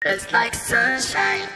It's like sunshine.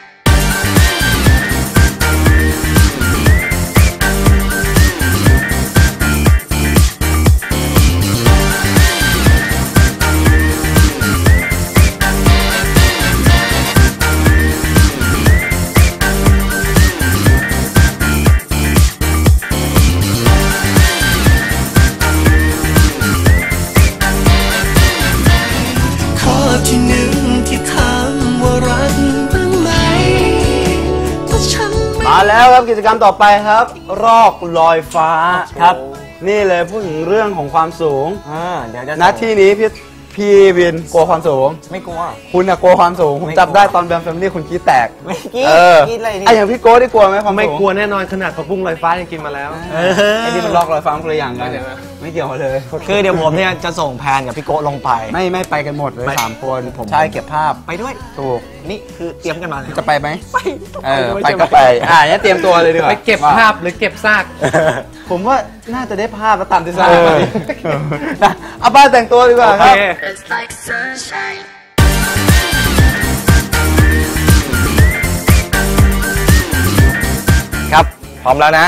มาแล้วครับกิจกรรมต่อไปครับรอกลอยฟ้าครับนี่เลยพูดถึงเรื่องของความสูงเดี๋ยวจะณที่นี้พี่วินกลัวความสูงไม่กลัวคุณอะกลัวความสูงผมจับได้ตอนแบมแฟมิลี่คุณกี้แตกไม่กี้กี้อะไรนี่อย่างพี่โก้ได้กลัวไหมความสูงไม่กลัวแน่นอนขนาดผักบุ้งลอยฟ้ายังกินมาแล้วไอ้นี่มันรอกลอยฟ้าคนละอย่างกันไม่เกี่ยวเลยคือเดี๋ยวผมเนี่ยจะส่งแพนกับพี่โก้ลงไปไม่ไปกันหมดเลย3 คนผมใช่เก็บภาพไปด้วยถูกนี่คือเตรียมกันมาจะไปไหมไปก็ไปเนี่ยเตรียมตัวเลยดีกว่าไปเก็บภาพหรือเก็บซากผมว่าน่าจะได้ภาพแล้วตามที่ทราบนะเอาบ้านแต่งตัวดีกว่าครับครับพร้อมแล้วนะ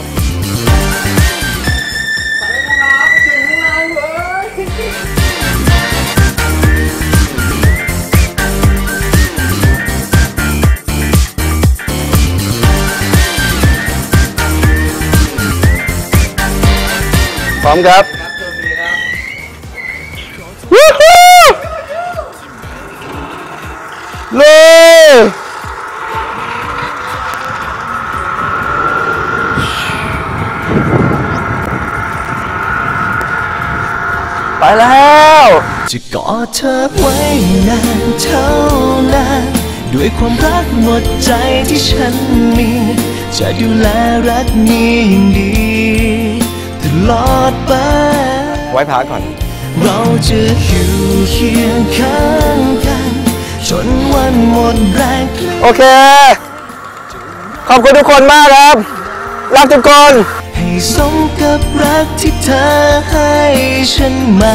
พร้อมครับวู้ฮู้เลยไปแล้วจะกอดเธอไว้นานเท่านานด้วยความรักหมดใจที่ฉันมีจะดูแลรักนี้อย่างดีตลอดไปไว้พักก่อนเราจะอยู่เคียงข้างกันจนวันหมดแรงโอเคขอบคุณทุกคนมากครับรักทุกคนให้สมกับรักที่เธอให้ฉันมา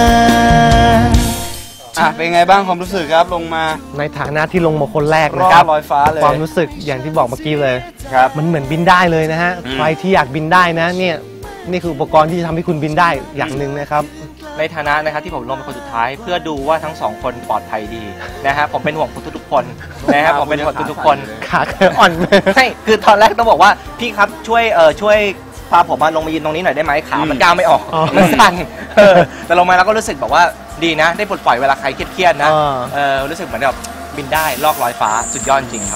เป็นไงบ้างความรู้สึกครับลงมาในฐานะที่ลงมาคนแรกนะครับลอยฟ้าเลยความรู้สึกอย่างที่บอกเมื่อกี้เลยครับมันเหมือนบินได้เลยนะฮะใครที่อยากบินได้นะเนี่ยนี่คืออุปกรณ์ที่จะทำให้คุณบินได้อย่างหนึ่งนะครับในฐานะนะครับที่ผมลงเป็นคนสุดท้ายเพื่อดูว่าทั้ง2คนปลอดภัยดีนะฮะผมเป็นห่วงทุกคนนะครับผมเป็นห่วงทุกคนขาอ่อนใช่คือตอนแรกต้องบอกว่าพี่ครับช่วยพาผมมาลงมายืนตรงนี้หน่อยได้ไหมขามันก้าวไม่ออกมันสั่นแต่ลงมาแล้วก็รู้สึกแบบว่าดีนะได้ปลดปล่อยเวลาใครเครียดๆนะรู้สึกเหมือนแบบบินได้ลอกลอยฟ้าสุดยอดจริงครับ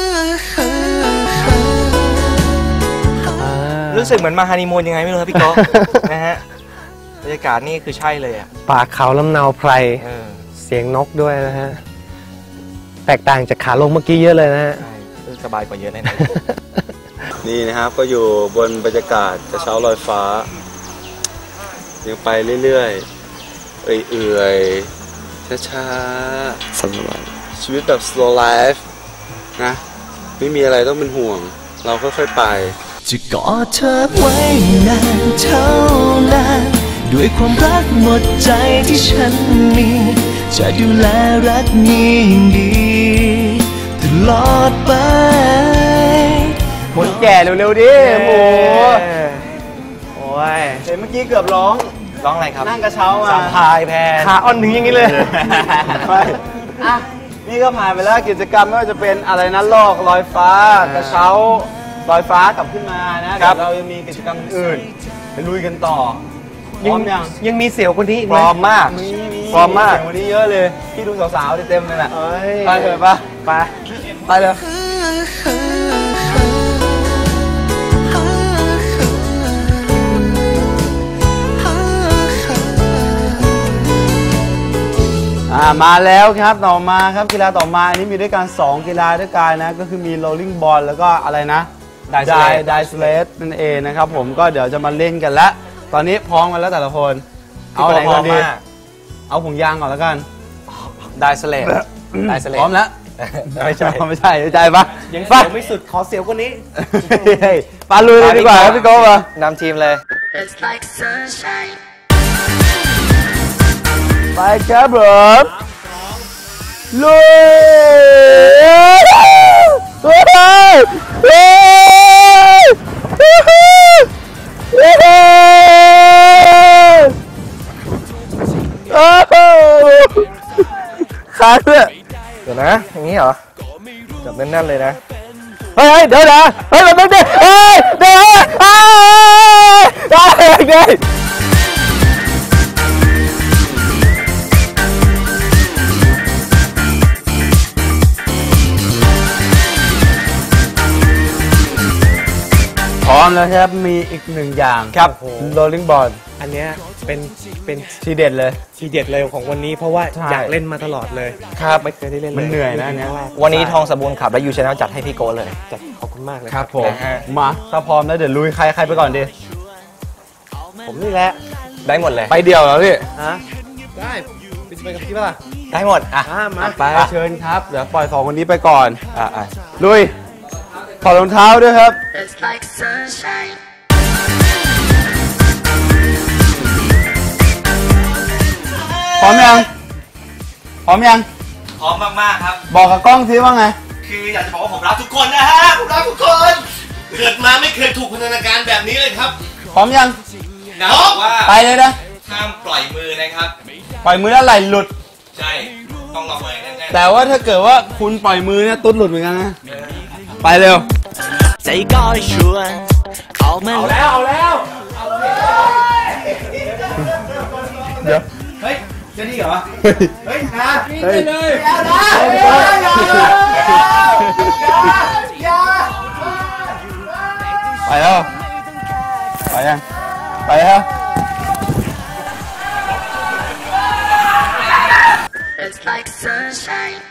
รู้สึกเหมือนมาฮันนีมูนยังไงไม่รู้ครับพี่โก้นะฮะบรรยากาศนี่คือใช่เลยอ่ะป่าเขาลำเนาไพรเสียงนกด้วยนะฮะแตกต่างจากขาลงเมื่อกี้เยอะเลยนะฮะสบายกว่าเยอะแน่ๆนี่นะครับก็อยู่บนบรรยากาศกระเช้าลอยฟ้ายังไปเรื่อยๆเอื่อยๆช้าๆสบายชีวิตแบบ slow life นะไม่มีอะไรต้องเป็นห่วงเราค่อยๆไปจะกอดเธอไว้นานเท่านานด้วยความรักหมดใจที่ฉันมีจะดูแลรักนี้อย่างดีตลอดไปคนแก่เร็วๆดิหมูโอ้ยเห็นเมื่อกี้เกือบร้องอะไรครับนั่งกระเช้ามาสามพายแพนขาอ่อนถึงอย่างนี้เลยนี่ก็ผ่านไปแล้วกิจกรรมไม่ว่าจะเป็นอะไรนะลอกลอยฟ้ากระเช้าลอยฟ้ากลับขึ้นมานะเดี๋ยวเรายังมีกิจกรรมอื่นไปลุยกันต่อพร้อมยังมีเสี่ยวคนนี้พร้อมมากเสี่ยวคนนี้เยอะเลยพี่ดูสาวๆเต็มเลยแหละไปเถอะปะไปเลยมาแล้วครับต่อมาครับกีฬาต่อมาอันนี้มีด้วยกัน2กีฬาด้วยกันนะก็คือมี rolling ball แล้วก็อะไรนะไดสเลตนั่นเองนะครับผมก็เดี๋ยวจะมาเล่นกันแล้วตอนนี้พร้อมกันแล้วแต่ละคนเอาอะไรก่อนดีเอาผงยางก่อนแล้วกันไดสเลตพร้อมแล้วไม่ใช่ใจปะยังเสียวไม่สุดขอเสียวคนนี้ปาลุยเลยดีกว่าครับพี่โก้มานำทีมเลยไปครับผมลุยค้างด้วยเดี๋ยวนะอย่างนี้เหรอจับแน่นๆเลยนะเฮ้ยเดี๋ยวนะเฮ้ยมันไม่ได้เฮ้ยเดี๋ยวเฮ้ยพร้อมแล้วครับมีอีกหนึ่งอย่างครับโรลลิ่งบอลอันเนี้ยเป็นทีเด็ดเลยทีเด็ดเลยของวันนี้เพราะว่าใช่อยากเล่นมาตลอดเลยครับไม่เคยได้เล่นเลยมันเหนื่อยนะเนี่ยวันนี้ทองสบูนขับและยูชาแนลจัดให้พี่โก้เลยจัดขอบคุณมากเลยครับผมนะฮะมาถ้าพร้อมแล้วเดี๋ยวลุยใครไปก่อนดีผมนี่แหละได้หมดเลยไปเดี่ยวแล้วพี่ฮะได้ไปกับพี่ป่ะได้หมดอ่ะมาไปเชิญครับเดี๋ยวปล่อยสองคนนี้ไปก่อนลุยถอดรองเท้าด้วยครับ It's like sunshine. พร้อมยังพร้อมยังพร้อมมากๆครับบอกกับกล้องซิว่าไงคืออยากจะบอกว่าผมรักทุกคนนะฮะผมรักทุกคนเกิดมาไม่เคยถูกพันธนาการแบบนี้เลยครับพร้อมยังนะบอกว่าไปเลยนะห้ามปล่อยมือนะครับปล่อยมือแล้วไหลหลุดใช่ต้องล็อกเลยแน่นแต่ว่าถ้าเกิดว่าคุณปล่อยมือเนี่ยตุ๊ดหลุดเหมือนกันนะไปเร็วใจก็ชวนออกมาเดี๋ยวๆเฮ้ยจะดีเหรอ เฮ้ยนะเฮ้ย ไปแล้วไปยังไปแล้ว It's like sunshine.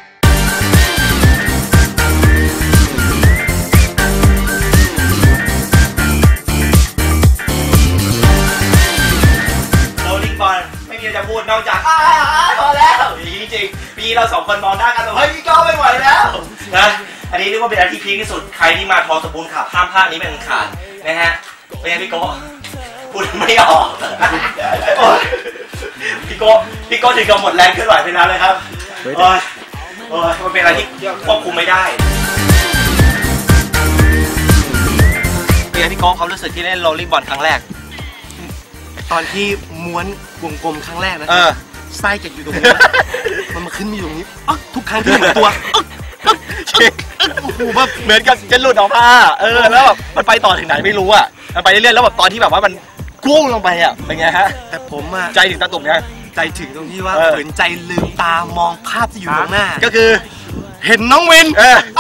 โรลลิ่งบอลไม่มีอะไรจะพูดนอกจากพอแล้วจริงๆปีเราสองคนมองหน้ากันแบบเฮ้ยพี่ก้าวไม่ไหวแล้วนะอันนี้เรียกว่าเป็นอันที่พีคที่สุดใครที่มาทอสบูนขับห้ามพลาดนี้เป็นอันขาดนะฮะเป็นไงพี่โก้พูดไม่ออกโอ๊ยพี่โก้ถึงกับหมดแรงเคลื่อนไหวไปแล้วเลยครับโอ้ยมันเป็นอะไรที่ควบคุมไม่ได้เป็นไงพี่โก้เขารู้สึกที่เล่นโรลลิ่งบอลครั้งแรกตอนที่ม้วนวงกลมครั้งแรกนะ ไส้จะอยู่ตรงนี้ มันมาขึ้นมาอยู่ตรงนี้ทุกครั้งที่เห็นตัวโอ้โหแบบเหมือนกับจะหลุดออกมาแล้วแบบมันไปต่อถึงไหนไม่รู้อ่ะมันไปเรื่อยๆแล้วแบบตอนที่แบบว่ามันกุ้งลงไปอ่ะเป็นไงฮะแต่ผมอะใจถึงตาตุ่มยังใจถึงตรงที่ว่าเออฝืนใจลืมตามองภาพที่อยู่ตรงหน้าก็คือเห็นน้องวิน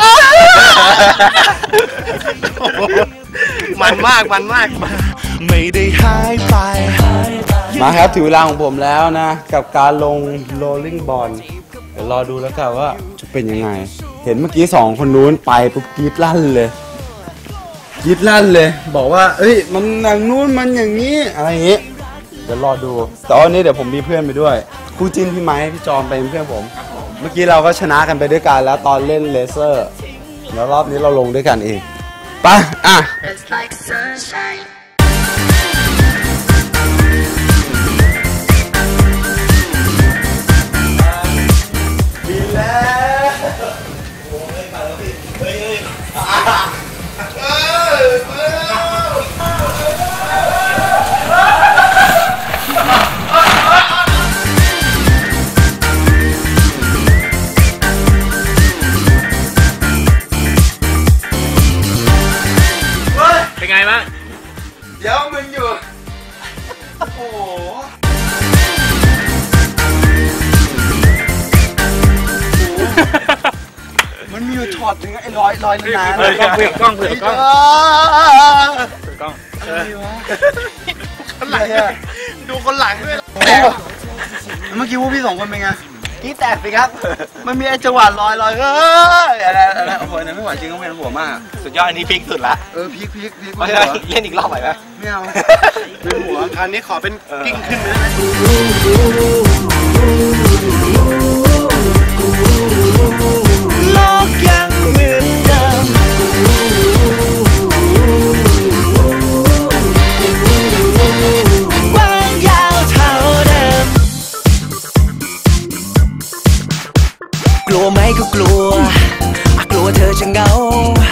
มันมากไม่ได้หายไปมาครับถึงเวลาของผมแล้วนะ กับการลงโรลลิ่งบอลเดี๋ยวรอดูแล้วกันว่าจะเป็นยังไง เห็นเมื่อกี้สองคนนู้นไปปุ๊บกรี๊ดลั่นเลยกรี๊ดลั่นเลย บอกว่าเอ้ยมันอย่างนู้นมันอย่างนี้อะไรอย่างนี้ เดี๋ยวรอดูแต่วันนี้เดี๋ยวผมมีเพื่อนไปด้วยคู่จิ้นพี่ไม้พี่จอมเป็นเพื่อนผม เมื่อกี้เราก็ชนะกันไปด้วยกันแล้วตอนเล่นเลเซอร์แล้วรอบนี้เราลงด้วยกันเองไปอ่ะ It's like sunshine. เป็นไงบ้างเดี๋ยวมึงอยู่ มันมีอยู่ช็อตนึงไอ้ลอยนานๆกล้องเผื่อกล้องอะไรอะดูคนหลังด้วยเมื่อกี้พวกพี่สองคนเป็นไงกี้แตกสิครับมันมีไอ้จังหวะลอยอะไรโอ้โหนั่นไม่ไหวจริงก็เป็นหัวมากสุดยอดอันนี้พีคสุดละพีคเพราะฉะนั้นเล่นอีกรอบไหวไหมไม่เอาเป็นหัวคราวนี้ขอเป็นกิ้งขึ้นเลยนะโลกยังเหมือนเดิมกว้างยาวเท่าเดิมกลัวไหมก็กลัวกลัวเธอจะเหงา